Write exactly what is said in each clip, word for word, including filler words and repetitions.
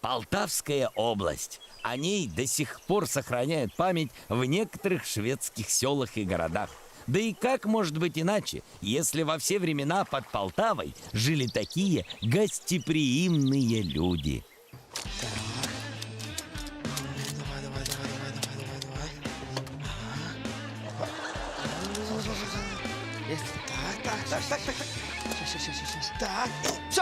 Полтавская область. О ней до сих пор сохраняют память в некоторых шведских селах и городах. Да и как может быть иначе, если во все времена под Полтавой жили такие гостеприимные люди? Давай, давай, давай, давай, давай, давай, давай. Есть. Так, так, так, так, так. Щас, щас, щас, щас. Так, все.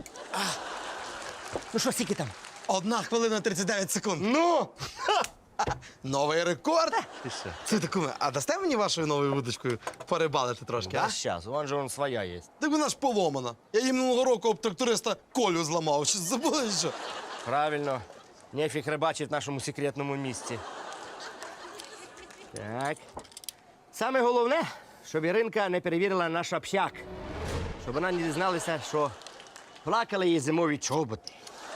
Ну що, скільки там? Одна хвилина тридцять дев'ять секунд. Ну! Новий рекорд. Ти що? Це таку, а дасте мені вашою новою вудочкою порибалити трошки, а? А зараз, вон же вон своя є. Так вона ж поломана. Я їм минулого року об тракториста Колю зламав. Що забули, що? Правильно. Нефіг рибачить в нашому секретному місці. Так. Саме головне, щоб Іринка не перевірила наш общак. Щоб вона не дізналася, що плакали її зимові чоботи.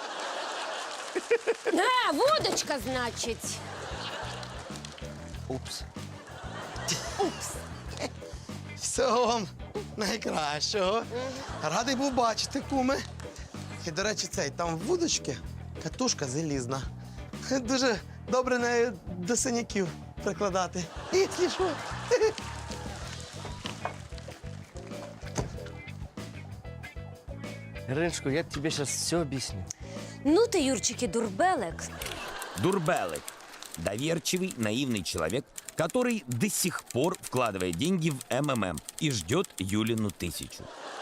А, водочка, значить. Упс. Всього вам найкращого. Радий був бачити, куми. І, до речі, цей, там в вудочці катушка залізна. Дуже добре нею до синяків прикладати. Якщо що. Іриночко, я тобі зараз все об'ясню. Ну ти, Юрчики, дурбелек. Дурбелек. Доверчивый, наивный человек, который до сих пор вкладывает деньги в эм эм эм и ждет Юлину тысячу.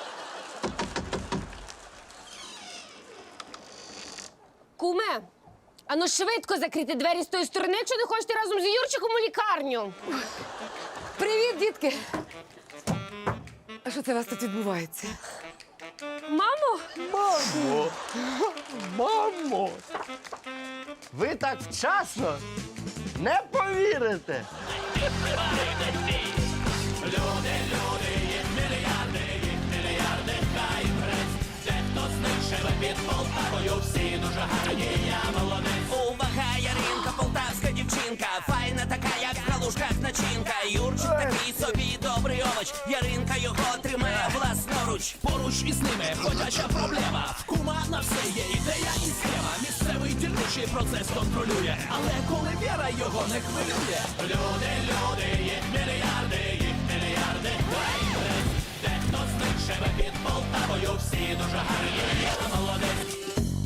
Куме, а ну швидко закрити двері з тої сторони, якщо не хочете разом з Юрчиком у лікарню. Привіт, дітки! А що це у вас тут відбувається? Мамо? Мамо! Мамо! Ви так вчасно не повірите! Увага, Яринка, полтавська дівчинка, файна така, як в калушках начинка. Юрчик такий собі добрий овоч, Яринка його тримає власноруч. Поруч із ними ходяча проблема. В кума на все є ідея і схема. Місцевий дільничий процес контролює, але коли віра його не хвилює. Люди, люди, їх мільярди, їх мільярди. Дехто з них живе під Полтавою, всі дуже гарні, я молодець.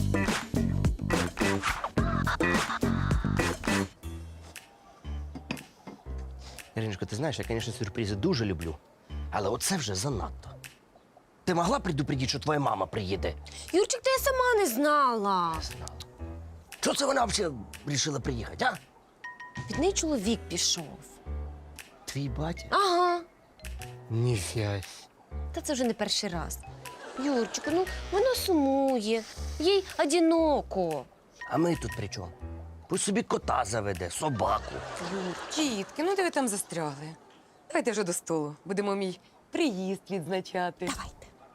Іриночко, ти знаєш, я, звісно, сюрпризи дуже люблю, але оце вже занадто. Ти могла предупредити, що твоя мама приїде? Юрчик, та я сама не знала. Чого це вона взагалі вирішила приїхати, а? Від неї чоловік пішов. Твій батя? Ага. Ніфіась. Та це вже не перший раз. Юрчику, ну вона сумує, їй одиноко. А ми тут при чому? Пусть собі кота заведе, собаку. Дітки, ну де ви там застрягли? Давайте вже до столу. Будемо мій приїзд відзначати. Давайте.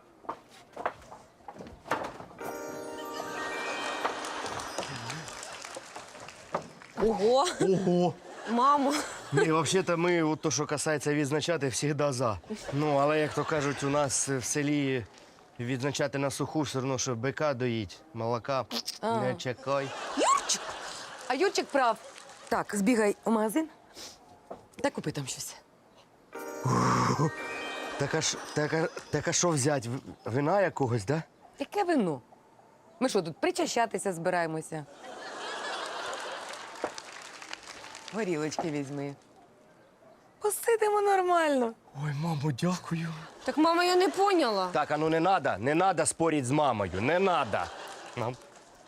Ого, Ого! мамо. Ні, взагалі-то ми, от то, що касається відзначати, завжди за. Ну, але, як то кажуть, у нас в селі відзначати на суху все одно, що бика доїть, молока А. не чекай. Юрчик! А Юрчик прав. Так, збігай у магазин та купи там щось. Так а, ж- так, а, так а що взяти? В- Вина якогось, да? Яке вино? Ми що, тут причащатися збираємося? Горілочки візьми. Посидимо нормально. Ой, мамо, дякую. Так, мама, я не поняла. Так, а ну не надо, не надо спорити з мамою, не надо. Ну.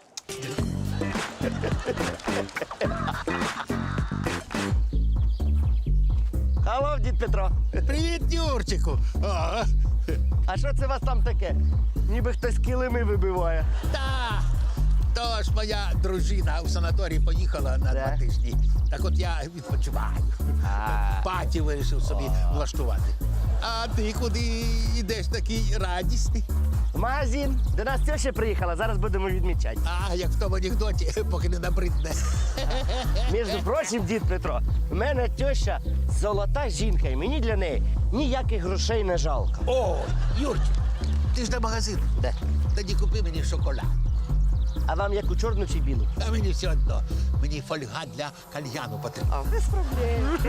Алло, дід Петро. Привіт, Юрчику! О, А що це у вас там таке? Ніби хтось килими вибиває. та, то ж моя дружина в санаторій поїхала на Да? два тижні. Так от я відпочиваю. Паті вирішив собі влаштувати. А ти куди йдеш такий радісний? В магазин. До нас теща приїхала, зараз будемо відмічати. А, як в тому анекдоті, поки не набридне. Між прочим, дід Петро, в мене теща золота жінка, і мені для неї ніяких грошей не жалко. О, Юрчик, ти ж до магазину. Де? Тоді купи мені шоколад. А вам яку чорну чи білу? А мені все одно. Мені фольга для кальяну потрібна. Без проблем.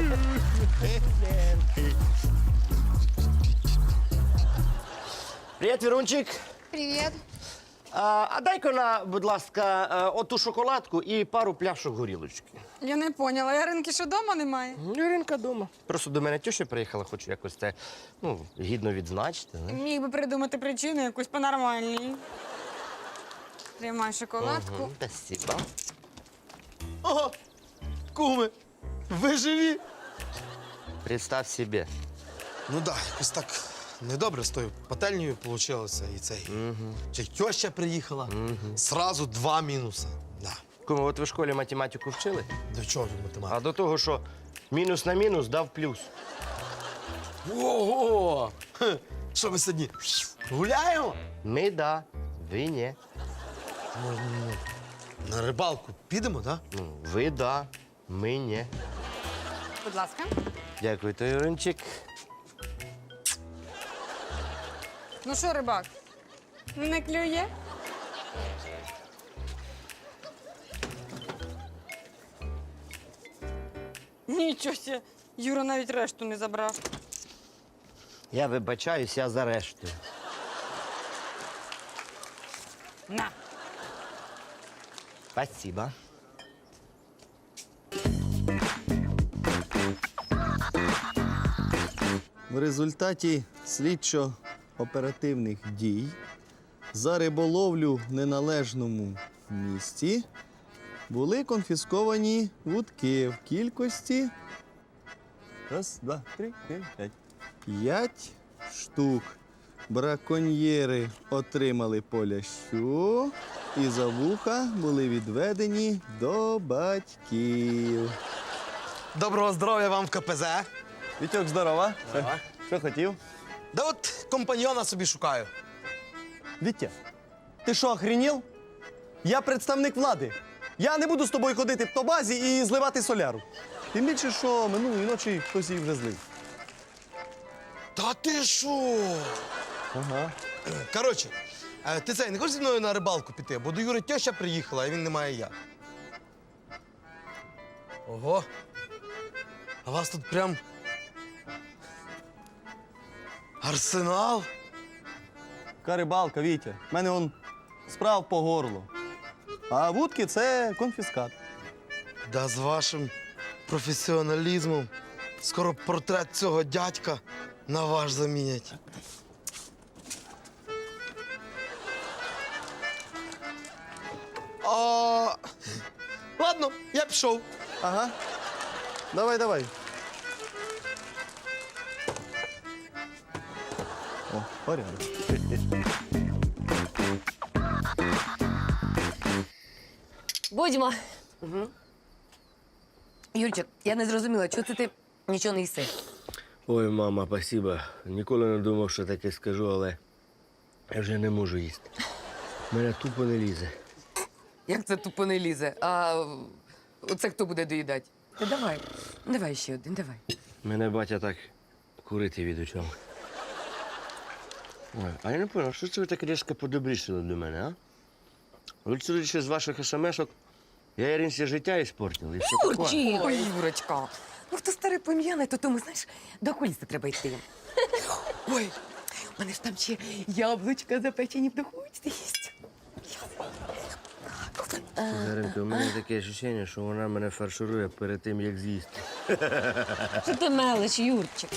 Привіт, Вірунчик. Привет. А, а дай-ка на, будь ласка, е, оту шоколадку і пару пляшок горілочки. Я не поняла, Яринки що дома немає? Яринка вдома. Просто до мене теща приїхала, хочу якось це ну, гідно відзначити. Не? Міг би придумати причину якусь по-нормальній. Тримай шоколадку. Угу, спасибо. Ого! Куми, ви живі? Представь собі. Ну так, да, якось так недобре з тою пательнею вийшло. І цей. Угу. Чи теща приїхала. Угу. Сразу два мінуси. Да. Кому, от ви в школі математику вчили? До чого тут математика? А до того, що мінус на мінус дав плюс. Ого! Хе, що ми сьогодні гуляємо? Ми да, ви ні. Можна ну, на рибалку підемо, так? Да? Ну, ви да, ми ні. Будь ласка. Дякую, то Юринчик. Ну що, рибак? Не клює? Нічого себе. Юра навіть решту не забрав. Я вибачаюсь, я за решту. На. Спасибо. В результаті слідчо-оперативних дій за риболовлю в неналежному місці були конфісковані вудки в кількості раз, два, три, чотири, п'ять. П'ять штук. Браконьєри отримали по лящу і за вуха були відведені до батьків. Доброго здоров'я вам в ка пе зет. Вітьок, здорова. Що хотів? Да от компаньйона собі шукаю. Вітя, ти що, охренів? Я представник влади. Я не буду з тобою ходити по базі і зливати соляру. Тим більше, що минулої ночі хтось її вже злив. Та ти що? Ага. Коротше, е, ти це, не хочеш зі мною на рибалку піти? Бо до Юри теща приїхала, а він не має як. Ого. А у вас тут прям арсенал? Яка рибалка, Вітя. В мене он справ по горло. А вудки це конфіскат. Да з вашим професіоналізмом скоро портрет цього дядька на ваш замінять. А... Ладно, я пішов. Ага. Давай, давай. О, порядок. Будьмо. Угу. Юрчик, я не зрозуміла, чого це ти нічого не їси? Ой, мама, спасибо. Ніколи не думав, що таке скажу, але я вже не можу їсти. Мене тупо не лізе. Як це тупо не лізе? А оце хто буде доїдати? Та давай, давай ще один, давай. Мене батя так курити відучав. Ой, а я не понял, що це ви так різко подобрішили до мене, а? Ви судячи з ваших смс-ок, я Іринці життя іспортив, і все таке. Юрчик! Ой, Юрочка. Ну, хто старий пом'яний, то тому, знаєш, до окуліста треба йти. Ой, у мене ж там ще яблучка запечені в духовці їсть. Заринко, у мене таке відчуття, що вона мене фарширує перед тим, як з'їсти. Що ти мелиш, Юрчик?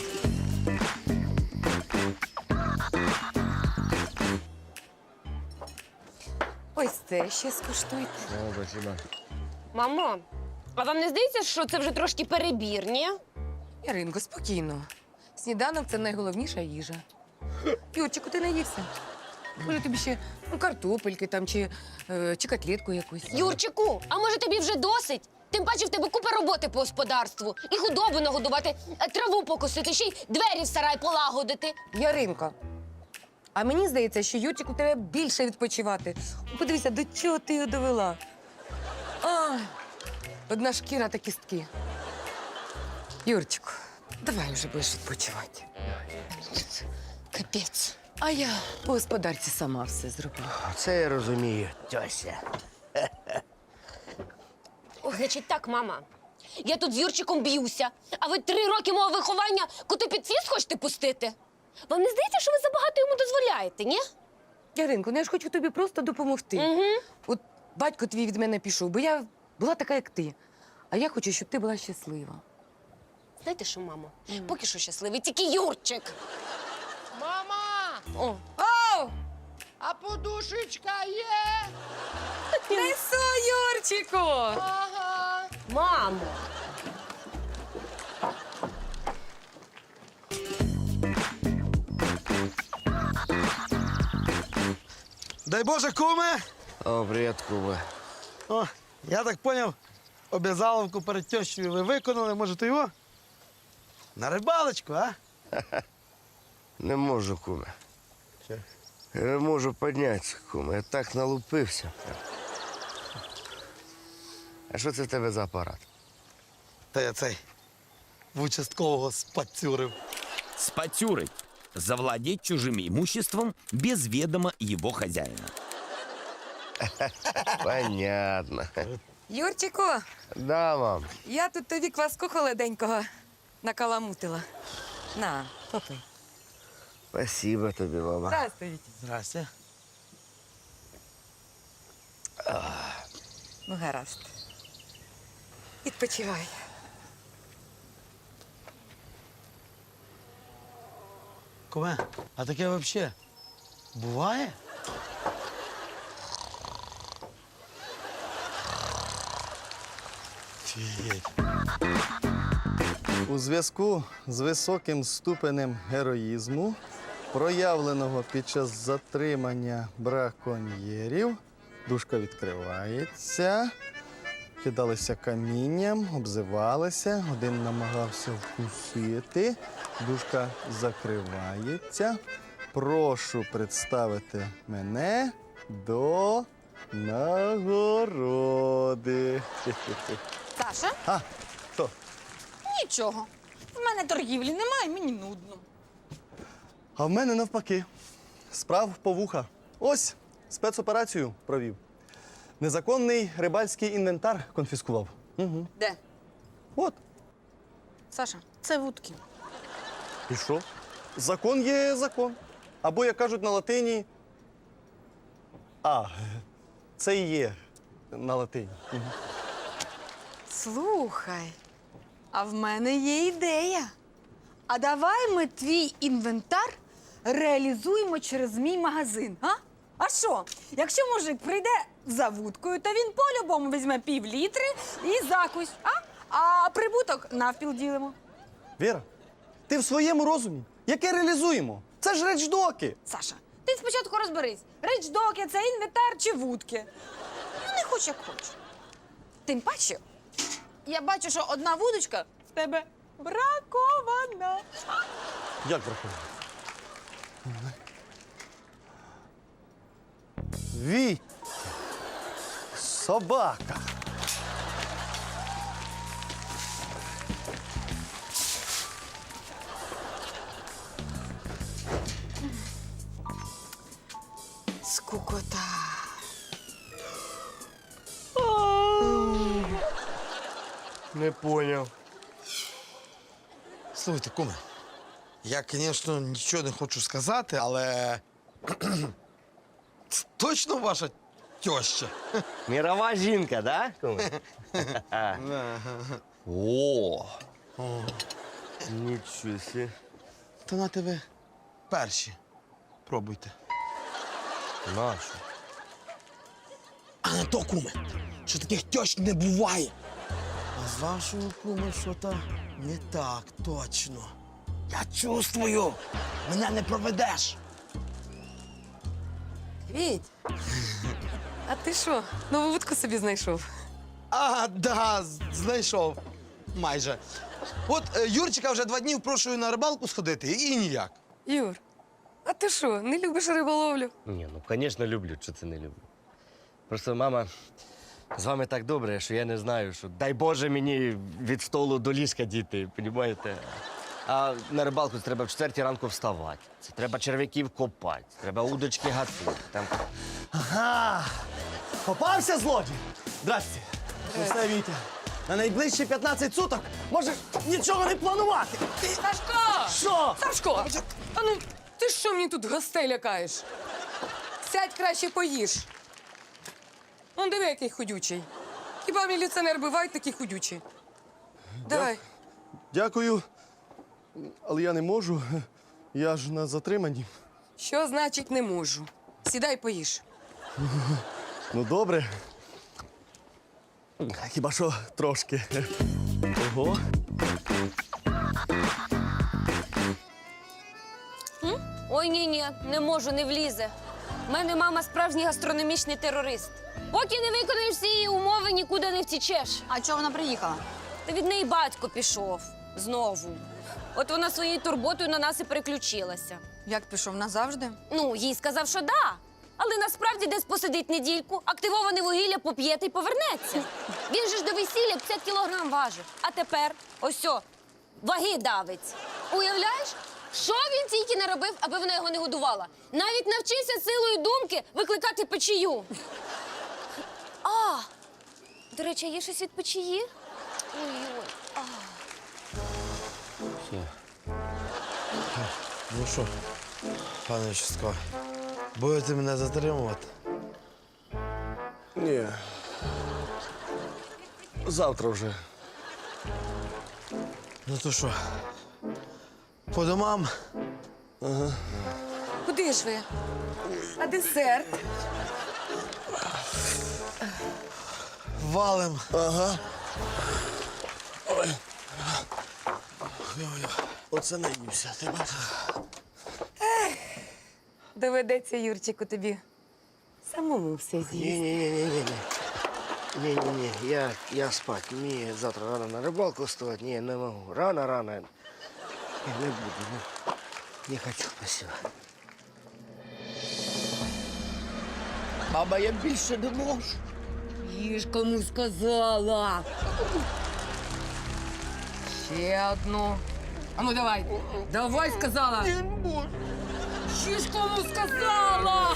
Ось це ще скуштуйте. О, спасибо. Мамо, а вам не здається, що це вже трошки перебір, ні? Яринко, спокійно. Сніданок це найголовніша їжа. Юрчику, ти наївся. Може, тобі ще ну, картопельки там чи, е, чи котлетку якусь. Юрчику, а може тобі вже досить? Тим паче в тебе купа роботи по господарству. І худобу нагодувати, е, траву покосити, ще й двері в сарай полагодити. Яринко, а мені здається, що Юрчику треба більше відпочивати. Подивися, до чого ти його довела. А, одна шкіра та кістки. Юрчику, давай вже будеш відпочивати. Капець. А я по господарці сама все зроблю. Це я розумію, тьося. Ох, значить так, мама. Я тут з Юрчиком б'юся, а ви три роки мого виховання коти під фіст хочете пустити? Вам не здається, що ви забагато йому дозволяєте, ні? Яринко, ну я ж хочу тобі просто допомогти. Угу. От батько твій від мене пішов, бо я була така, як ти. А я хочу, щоб ти була щаслива. Знаєте що, мамо? Поки що щасливий, тільки Юрчик. Мама! О, Оу! А подушечка є? Несу, Юрчику! Ага. мамо. Дай Боже, куме! О, привіт, куме. О, я так поняв, обязаловку перед тещою ви виконали, може, то його? На рибалочку, а? Не можу, куме. Я не можу піднятися, куме. Я так налупився. А що це в тебе за апарат? Та я цей в участкового спацюрив. Спатюрить. Завладеть чужим имуществом без ведома его хозяина. Понятно. Юрчику, Да, мам. я тут тобі кваску холоденького накаламутила. На, попий. Спасибо тобі, мама. Здравствуйте. Здрасте. Ну, гаразд. Відпочивай. Куме, а таке взагалі буває? Офігеть. У зв'язку з високим ступенем героїзму, проявленого під час затримання браконьєрів, дужка відкривається, кидалися камінням, обзивалися, один намагався вкусити, дужка закривається. Прошу представити мене до нагороди. Саша, А, хто? нічого. В мене торгівлі немає, мені нудно. А в мене навпаки. Справ по вуха. Ось спецоперацію провів. Незаконний рибальський інвентар конфіскував. Угу. Де? От. Саша, це вудки. І що? Закон є закон. Або, як кажуть на латині. А, це і є на латині. Угу. Слухай, а в мене є ідея. А давай ми твій інвентар реалізуємо через мій магазин, а? А що? Якщо мужик прийде за вудкою, то він по-любому візьме пів літри і закусь, а? А прибуток навпіл ділимо. Віра, ти в своєму розумі? Яке реалізуємо? Це ж речдоки. Саша, ти спочатку розберись, речдоки – це інвентар чи вудки. Ну, не хоч як хоч. Тим паче, я бачу, що одна вудочка в тебе бракована. Як бракує? Віть! Собака! Скукота. Не поняв. Слухайте, куме, я, звісно, нічого не хочу сказати, але це точно ваша теща? Мірова жінка, да, куме? О! Нічого сі. То на тебе перші. Пробуйте. Нашу. А не то, куме, що таких тещ не буває. А з вашою, куме, що-то не так точно. Я чувствую, мене не проведеш. Віть, а ти що, нову вудку собі знайшов? А, да, з- знайшов. Майже. От е, Юрчика вже два дні впрошую на рибалку сходити і ніяк. Юр, а ти що, не любиш риболовлю? Ні, ну, звісно, люблю, що це не люблю. Просто мама з вами так добре, що я не знаю, що дай Боже мені від столу до ліжка діти, понімаєте? А на рибалку це треба в четвертій ранку вставати. Це треба черв'яків копати, треба удочки гатити. Там... Ага! Попався злодій? Здрасте. Ну все, Вітя. На найближчі п'ятнадцять суток можеш нічого не планувати. Сашко! Що? Сашко! А ну, ти що мені тут гостей лякаєш? Сядь краще поїж. Он диви, який худючий. Хіба міліціонер бувають такі худючі? Давай. Дякую. Але я не можу. Я ж на затриманні. Що значить не можу? Сідай поїж. Ну, добре. Хіба що трошки. Ого. Ой, ні-ні, не можу, не влізе. У мене мама справжній гастрономічний терорист. Поки не виконаєш всі її умови, нікуди не втічеш. А чого вона приїхала? Та від неї батько пішов. Знову. От вона своєю турботою на нас і переключилася. Як пішов назавжди? Ну, їй сказав, що да. Але насправді десь посидить недільку, активоване вугілля поп'є та й повернеться. Він же ж до весілля п'ятдесят кілограм важив. А тепер ось о, ваги давить. Уявляєш, що він тільки не робив, аби вона його не годувала? Навіть навчився силою думки викликати печію. А, до речі, а є щось від печії? Ой-ой. А. Ну що, пане участковий, будете мене затримувати? Ні. Завтра вже. Ну то що, по домам? Куди ж ви? А десерт? Валим. Ага. Ой. Ой-ой. Оце наївся, ти бачиш? Доведеться, Юрчику, тобі самому все з'їсти. Ні-ні-ні-ні-ні. Ні-ні-ні, я, я спать. Мені завтра рано на рибалку вставати. Ні, не можу. Рано-рано. Ні, не буду. Не, не хочу, спасибо. Баба, я більше не можу. Їж, кому сказала. Ще одну. А ну давай. Давай, сказала. Не можу. Їж, кому сказала.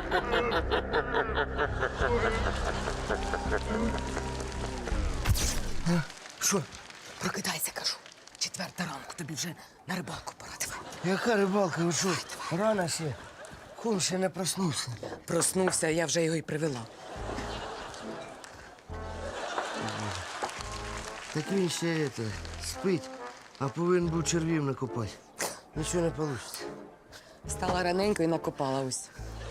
Що? Прокидайся, кажу. Четверта ранку, тобі вже на рибалку пора. Давай. Яка рибалка? Ви що? Рано ще. Кум ще не проснувся. Проснувся, я вже його й привела. Так він ще это, спить, а повинен був червів накопати. Нічого не вийде. Встала раненько і накопала ось.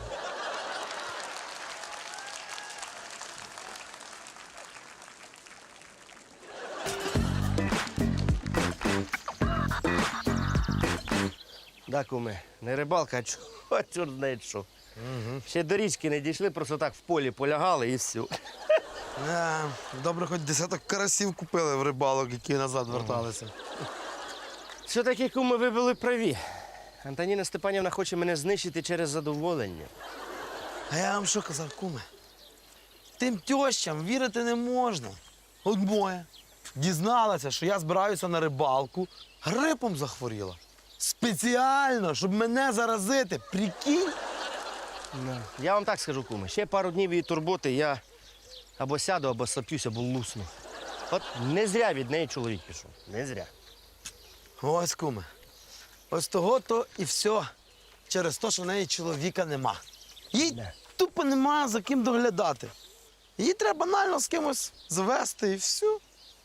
Да, куме, не рибалка, а чого, чорт знає що. Угу. Ще до річки не дійшли, просто так в полі полягали і все. Не, добре, хоч десяток карасів купили в рибалок, які назад верталися. Все-таки, куме, ви були праві. Антоніна Степанівна хоче мене знищити через задоволення. А я вам що казав, куме? Тим тьощам вірити не можна. От моя дізналася, що я збираюся на рибалку, грипом захворіла. Спеціально, щоб мене заразити. Прикинь? Я вам так скажу, куме, ще пару днів її турботи я або сяду, або соп'юсь, або лусну. От не зря від неї чоловік пішов. Не зря. Ось, куме. Ось того-то і все. Через те, що в неї чоловіка нема. Їй Да. тупо нема за ким доглядати. Її треба банально з кимось звести і все.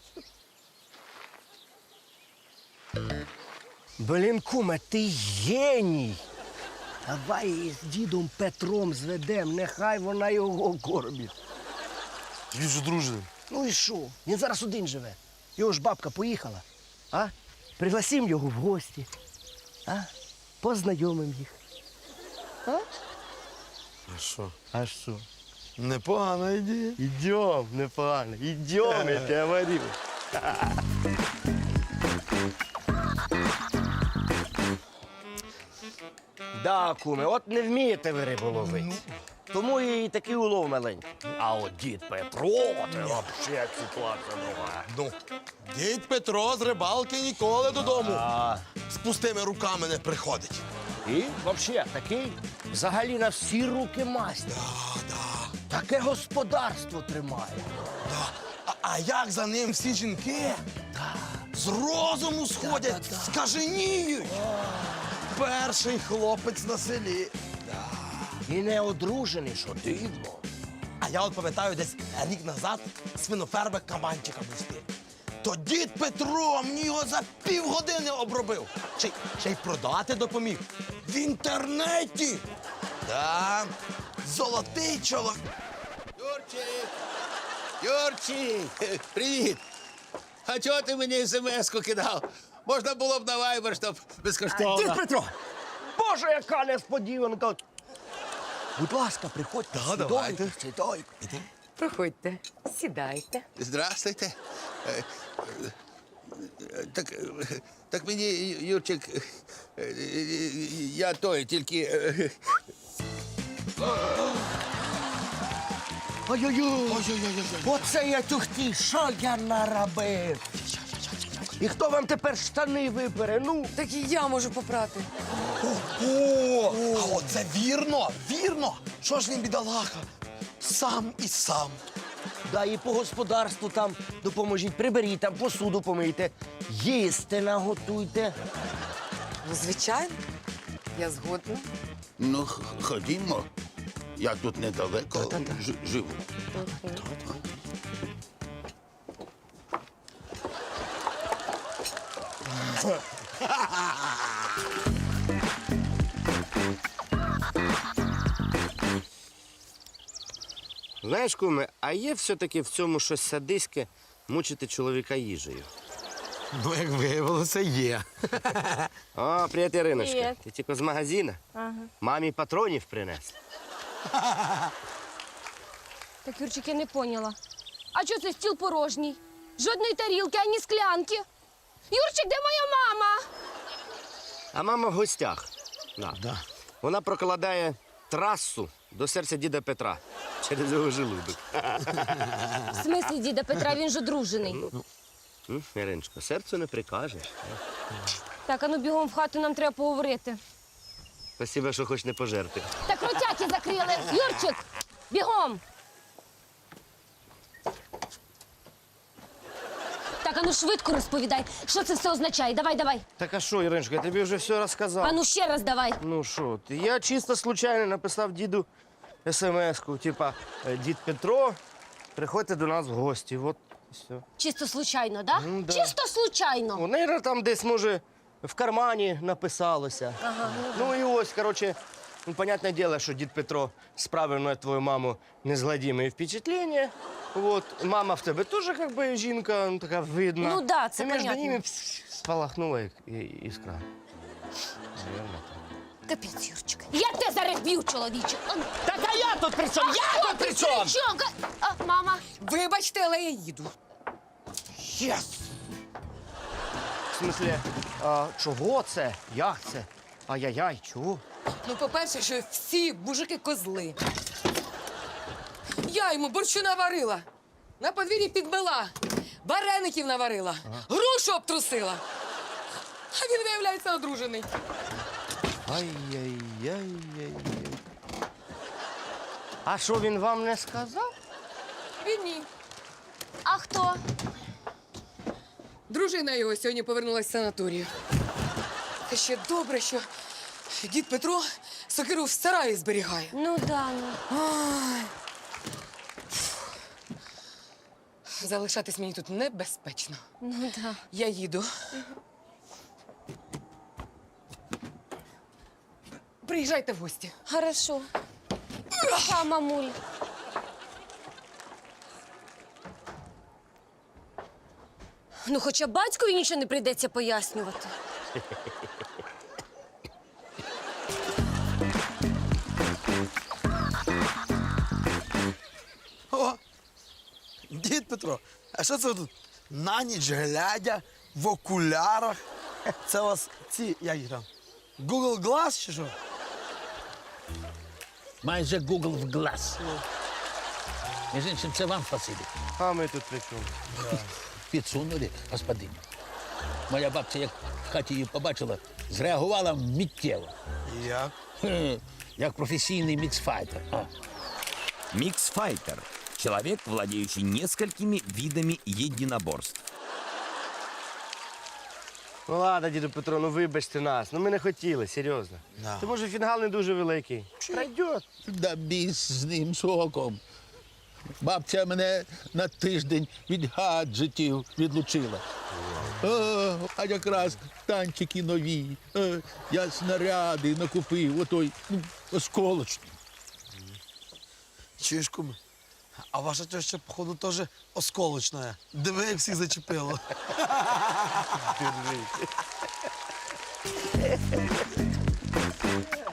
Блін, куме, ти геній. Давай її з дідом Петром зведем, нехай вона його кормить. Він ж дружний. Ну і що? Він зараз один живе. Його ж бабка поїхала. А? Пригласим його в гості. А? Познайомим їх. А? А що? А що? Непогана ідея. Ідем, непогано. Ідем, я тебе говорю. Да, куме, от не вмієте ви рибу ловити. Тому і такий улов маленький. А от дід Петро, це взагалі ситуація друга. Ну, дід Петро з рибалки ніколи додому А, з пустими руками не приходить. і взагалі такий взагалі на всі руки мастер. Да, да, Таке господарство тримає. да. А, а як за ним всі жінки з розуму сходять, скаженіють. Перший хлопець на селі. І не одружений, що дивно. А я от пам'ятаю, десь рік назад свинофермер кабанчика пустив. То дід Петро мені його за півгодини обробив. Ще, й- ще й продати допоміг. В інтернеті. Да. Золотий чоловік. Юрчик! Юрчик! Привіт! А чого ти мені смс-ку кидав? Можна було б на вайбер, щоб безкоштовно. Дід Петро! Боже, яка несподіванка! Будь ласка, приходьте. Да, давайте. Сідайте. Проходьте, сідайте. Здравствуйте. Е, е, Так, е, так мені, Юрчик, е, е, я той, тільки. е, Ой-ой-ой! Оце я тюхті, що я наробив? І хто вам тепер штани випере? Ну, Так і я можу попрати. О, а оце вірно, вірно. Що ж він, бідолаха? Сам і сам. да і по господарству там допоможіть, приберіть там, посуду помийте, їсти наготуйте. Ну, звичайно, я згодна. Ну, х- ходімо. Я тут недалеко ж- живу. Знаєш, куме, а є все-таки в цьому щось садиське мучити чоловіка їжею? Ну, як виявилося, є. О, привіт, Іриночка. Привіт. Ти тільки з магазину? Ага. Мамі патронів принесла. Так, Юрчик, я не поняла. А чого це стіл порожній? Жодної тарілки, ані склянки. Юрчик, де моя мама? А мама в гостях. Да. Да. Вона прокладає трасу до серця діда Петра через його желудок. В смислі діда Петра, він ж одружений. М, Іриночко, серцю не прикажеш. Так, а ну бігом в хату, нам треба поговорити. Спасибо, що хоч не пожерти. Так ротяки закрили. Юрчик, бігом. Так, а ну швидко розповідай, що це все означає. Давай, давай. Так а що, Іриночка, я тобі вже все розказав. А ну ще раз давай. Ну що ти, я чисто случайно написав діду смс-ку, типа, «Е, дід Петро, приходьте до нас в гості. От і все. Чисто случайно, да? Ну, да. Чисто случайно. У неї там десь, може, в кармані написалося. Ага. Ну і ось, коротше, ну, понятне діло, що дід Петро справив на твою маму незгладіме впечатлення. Вот. Мама в тебе теж, як би, жінка, ну, така видна. Ну да, це І між понятно. ними спалахнула і- і- іскра. Наверно. Капець, Юрчик. Я тебе зараз б'ю, чоловіче. А, Так а я тут при чому? Я тут при чому? Що? Га- А, мама. Вибачте, але я їду. Єс! В смислі, а, чого це? Як це? Ай-яй-яй, чого? Ну, по-перше, що всі мужики козли. Я йому борщу наварила, на подвір'ї підбила, вареників наварила, грушу обтрусила. А він, виявляється, одружений. Ай-яй-яй-яй-яй. А що він вам не сказав? Він ні. А хто? Дружина його сьогодні повернулася з санаторію. Та ще добре, що дід Петро сокиру в сараї зберігає. Ну да, ну. Ай. Залишатись мені тут небезпечно. Ну да. Я їду. Приїжджайте в гості. Хорошо. Пока, мамуль. Ну, хоча батькові нічого не прийдеться пояснювати. О, дід Петро, а що це ви тут на ніч глядя в окулярах? Це у вас ці, як їх там, Google Glass чи що? майже Google в глаз. Між іншим, це вам спасибі. А ми тут при чому? Підсунули, господин. Моя бабця, як в хаті її побачила, зреагувала миттєво. Як? Хе, як професійний міксфайтер. А. Миксфайтер – человек, владеющий несколькими видами единоборств. Ну ладно, діду Петро, ну вибачте нас. Ну ми не хотіли, серйозно. Да. Ти може фінгал не дуже великий. Пройдет. Да біс з ним соком. Бабця мене на тиждень від гаджетів відлучила. О, а якраз танчики нові. Е, я снаряди накупив, отой ну, осколочний. Чуєш, куме? А ваша теща, походу, теж осколочна. Диви, як всіх зачепило. Держись.